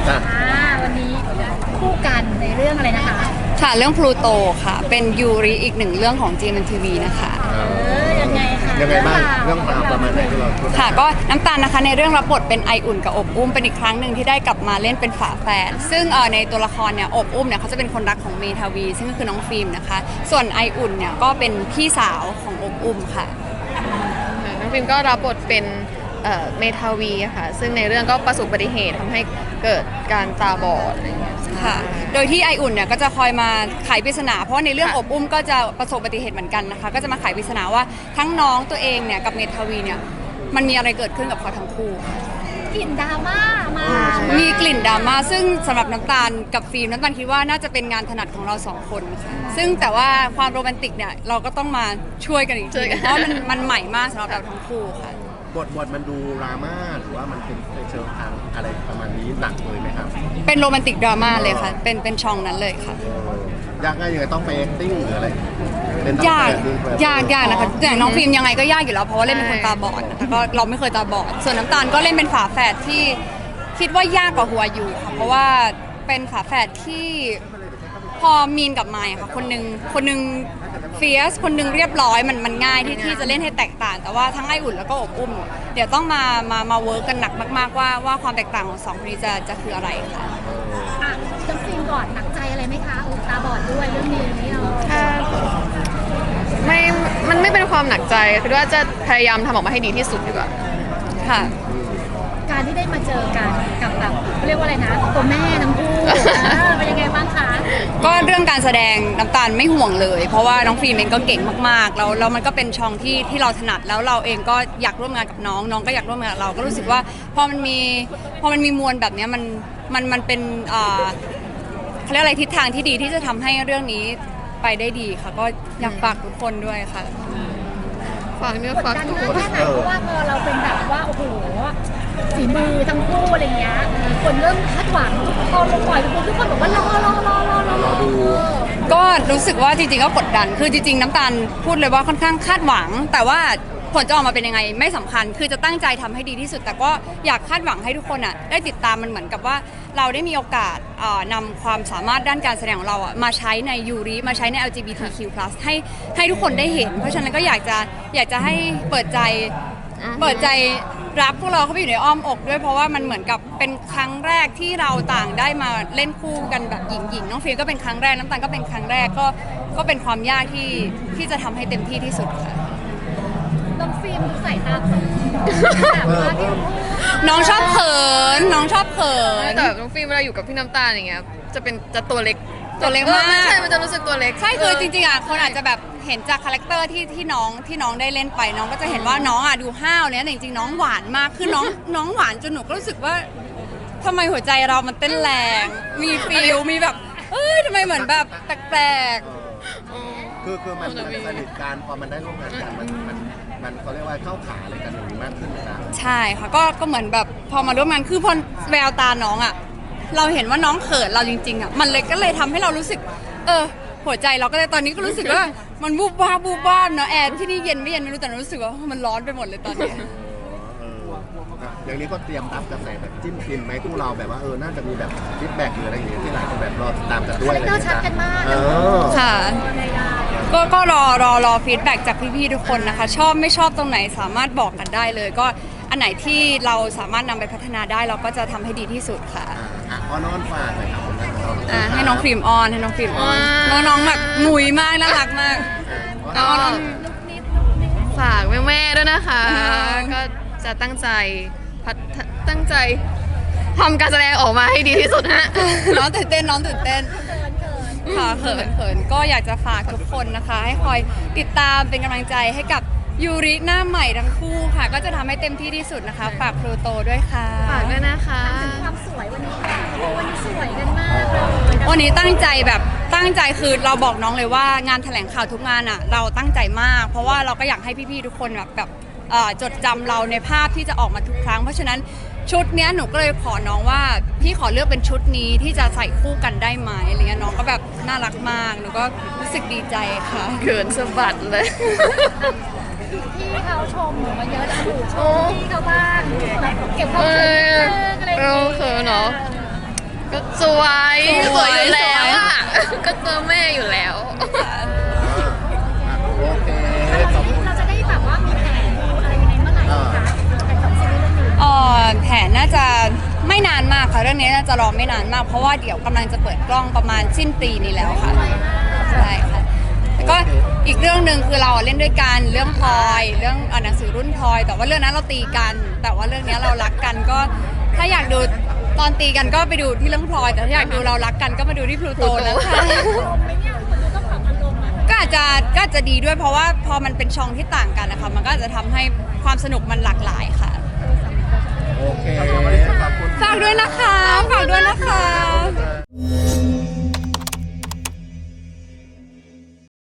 วันนี้คู่กันในเรื่องอะไรนะคะค่ะเรื่องพลูโตค่ะเป็นยูริอีกหนึ่งเรื่องของ GMMTV นะคะยังไงคะยังไงบ้างเรื่องราวประมาณไหนที่เราพูดค่ะก็น้ำตาลนะคะในเรื่องรับบทเป็นไออุ่นกับอบอุ้มเป็นอีกครั้งหนึ่งที่ได้กลับมาเล่นเป็นฝาแฝดซึ่งในตัวละครเนี่ยอบอุ้มเนี่ยเขาจะเป็นคนรักของเมทาวีซึ่งก็คือน้องฟิล์มนะคะส่วนไออุ่นเนี่ยก็เป็นพี่สาวของอบอุ้มค่ะน้องฟิล์มก็รับบทเป็นเมทาวีค่ะซึ่งในเรื่องก็ประสบอุบัติเหตุทำให้เกิดการตาบอดอะไรอย่างเงี้ยค่ะโดยที่ไออุ่นเนี่ยก็จะคอยมาไขปริศนาเพราะในเรื่องอบอุ้มก็จะประสบอุบัติเหตุเหมือนกันนะคะก็จะมาไขปริศนาว่าทั้งน้องตัวเองเนี่ยกับเมทาวีเนี่ยมันมีอะไรเกิดขึ้นกับเขาทั้งคู่กลิ่นดราม่ามามีกลิ่นดราม่าซึ่งสำหรับน้ำตาลกับฟิล์มน้ำตาลคิดว่าน่าจะเป็นงานถนัดของเราสองคนค่ะซึ่งแต่ว่าความโรแมนติกเนี่ยเราก็ต้องมาช่วยกันอีกทีเพราะมันใหม่มากสำหรับเราทั้งคู่ค่ะบทมันดูดราม่าหรือว่ามันเป็นเชิงทางอะไรประมาณนี้หนักเลยไหมครับเป็นโรแมนติกดราม่าเลยค่ะเป็นช่องนั้นเลยค่ะยากง่ายยังไงต้องไป acting หรืออะไรยากนะคะอย่างน้องฟิล์มยังไงก็ยากอยู่แล้วเพราะว่าเล่นเป็นคนตาบอดแต่ก็เราไม่เคยตาบอดส่วนน้ำตาลก็เล่นเป็นฝาแฝดที่คิดว่ายากกว่าหัวอยู่ค่ะเพราะว่าเป็นฝาแฝดที่พอมีนกับไมค์ค่ะคนหนึ่งเฟียสคนหนึ่งเรียบร้อยมันง่ายที่จะเล่นให้แตกต่างแต่ว่าทั้งไออุ่นแล้วก็อบอุ้มเดี๋ยวต้องมาเวิร์กกันหนักมากๆว่าความแตกต่างของสองคนนี้จะคืออะไรค่ะจำฟิล์มก่อนหนักใจอะไรไหมคะตาบอดด้วยเรื่องนี้เรามันไม่เป็นความหนักใจคือว่าจะพยายามทำออกมาให้ดีที่สุดดีกว่าค่ะการที่ได้มาเจอกันกับแบบเรียกว่าอะไรนะตัวแม่ทั้งคู่เป็นยังไงบ้างคะก็เรื่องการแสดงน้ำตาลไม่ห่วงเลยเพราะว่าน้องฟิล์มเองก็เก่งมากๆแล้วมันก็เป็นช่องที่เราถนัดแล้วเราเองก็อยากร่วมงานกับน้องก็อยากร่วมงานกับเราก็รู้สึกว่าพอมันมีมวลแบบนี้มันเป็นเขาเรียกอะไรทิศทางที่ดีที่จะทำให้เรื่องนี้ไปได้ดีค่ะก็อยากฝากทุกคนด้วยค่ะฝากเนื้อฝากตัวแค่ไหนเพราะว่าพอเราเป็นแบบว่าโอ้โหฝีมือทั้งคู่อะไรเงี้ยคนเริ่มคาดหวังพอลงปล่อยทุกคนบอกว่ารอดูก็รู้สึกว่าจริงๆก็กดดันคือจริงๆน้ำตาลพูดเลยว่าค่อนข้างคาดหวังแต่ว่าผลจะออกมาเป็นยังไงไม่สำคัญคือจะตั้งใจทำให้ดีที่สุดแต่ก็อยากคาดหวังให้ทุกคนได้ติดตามมันเหมือนกับว่าเราได้มีโอกาสนำความสามารถด้านการแสดงของเรามาใช้ในยูริมาใช้ใน LGBTQ+ ให้ทุกคนได้เห็นเพราะฉะนั้นก็อยากจะให้เปิดใจรับพวกเราเข้าไปอยู่ในอ้อมอกด้วยเพราะว่ามันเหมือนกับเป็นครั้งแรกที่เราต่างได้มาเล่นคู่กันแบบหญิงน้องฟิล์มก็เป็นครั้งแรกน้ำตาลก็เป็นครั้งแรกก็เป็นความยากที่จะทำให้เต็มที่ที่สุดค่ะน้องฟิล์มใส่ตาตื้อแบบว่าที่น้องชอบเขินแต่น้องฟิล์มเวลาอยู่กับพี่น้ำตาลอย่างเงี้ยจะตัวเล็กมากใช่มันจะรู้สึกตัวเล็กใช่คือจริงๆคนอาจจะแบบเห็นจากคาแรคเตอร์ที่น้องได้เล่นไปน้องก็จะเห็นว่าน้องดูห้าวเนี่ยแต่จริงๆน้องหวานมากคือน้องหวานจนหนูก็รู้สึกว่าทำไมหัวใจเรามันเต้นแรงมีฟีลมีแบบทำไมเหมือนแบบแปลกคือมันสนิทกันพอมันได้ร่วมงานกันมันเขาเรียกว่าเข้าขาอะไรกันมากขึ้นนะใช่ค่ะก็เหมือนแบบพอมาร่วมงานคือพอแววตาน้องเราเห็นว่าน้องเขินเราจริงๆมันเลยก็เลยทำให้เรารู้สึกหัวใจเราก็เลยตอนนี้ก็รู้สึกว่ามันบูบบ้าเนาะแอร์ที่นี่เย็นไม่รู้แต่รู้สึกว่ามันร้อนไปหมดเลยตอนนี้อย่างนี้ก็เตรียมรับกระแสแบบจิ้มฟินไหมคู่เราแบบว่าน่าจะมีแบบฟีดแบ็กหรืออะไรอย่างเงี้ยที่หลายคนแบบรอตามกันด้วยอะไรอย่างเงี้ยชัดกันมากค่ะก็รอฟีดแบ็กจากพี่ๆทุกคนนะคะชอบไม่ชอบตรงไหนสามารถบอกกันได้เลยก็อันไหนที่เราสามารถนำไปพัฒนาได้เราก็จะทำให้ดีที่สุดค่ะอ้อนฝากเลยครับให้น้องฟิล์มออนน้องแบบหนุยมากน่ารักมากฝากแม่ๆด้วยนะคะก็จะตั้งใจทำการแสดงออกมาให้ดีที่สุดฮะน้องตื่นเต้นค่ะเขินก็อยากจะฝากทุกคนนะคะให้คอยติดตามเป็นกำลังใจให้กับยูริหน้าใหม่ทั้งคู่ค่ะก็จะทำให้เต็มที่ที่สุดนะคะฝากพลูโตด้วยค่ะฝากด้วยนะคะความสวยวันนี้สวยกันมากเลยวันนี้ตั้งใจคือเราบอกน้องเลยว่างานแถลงข่าวทุกงานเราตั้งใจมากเพราะว่าเราก็อยากให้พี่ๆทุกคนแบบจดจำเราในภาพที่จะออกมาทุกครั้งเพราะฉะนั้นชุดนี้หนูก็เลยขอน้องว่าพี่ขอเลือกเป็นชุดนี้ที่จะใส่คู่กันได้ไหมอะไรเงี้ยน้องก็แบบน่ารักมากหนูก็รู้สึกดีใจค่ะเขินสะบัดเลยพี่เขาชมหนูมาเยอะแล้วหนูชมพี่เขาบ้างเก็บความเขินอะไรอย่างเงี้ยเนาะก็สวยสวยอยู่แล้วอ่ะก็เจอแม่อยู่แล้วโอเคขอบคุณเราจะได้แบบว่ามีแผนอะไรยังไงเมื่อไหร่คะแต่ของซีรีส์เรื่องนี้แผนน่าจะไม่นานมากค่ะเรื่องนี้น่าจะรอไม่นานมาก เพราะว่าเดี๋ยวกำลังจะเปิดกล้องประมาณสิ้นปีนี้แล้วค่ะใช่ค่ะแล้วก็อีกเรื่องหนึ่งคือเราเล่นด้วยกันเรื่องพลอยเรื่องหนังสือรุ่นพลอย แต่ว่าเรื่องนั้นเราตีกัน แต่ว่าเรื่องนี้เรารักกันก็ถ้าอยากดูตอนตีกันก็ไปดูที่เรื่องพลอย แต่ถ้าอยากดูเรารักกันก็มาดูที่พลูโตนะคะอารมณ์ไหมเนี่ยคนดูต้องปรับอารมณ์อ่ะก็อาจจะดีด้วยเพราะว่าพอมันเป็นช่องที่ต่างกันนะคะมันก็อาจจะทำให้ความสนุกมันหลากหลายค่ะโอเคขอบคุณฝากด้วยนะคะ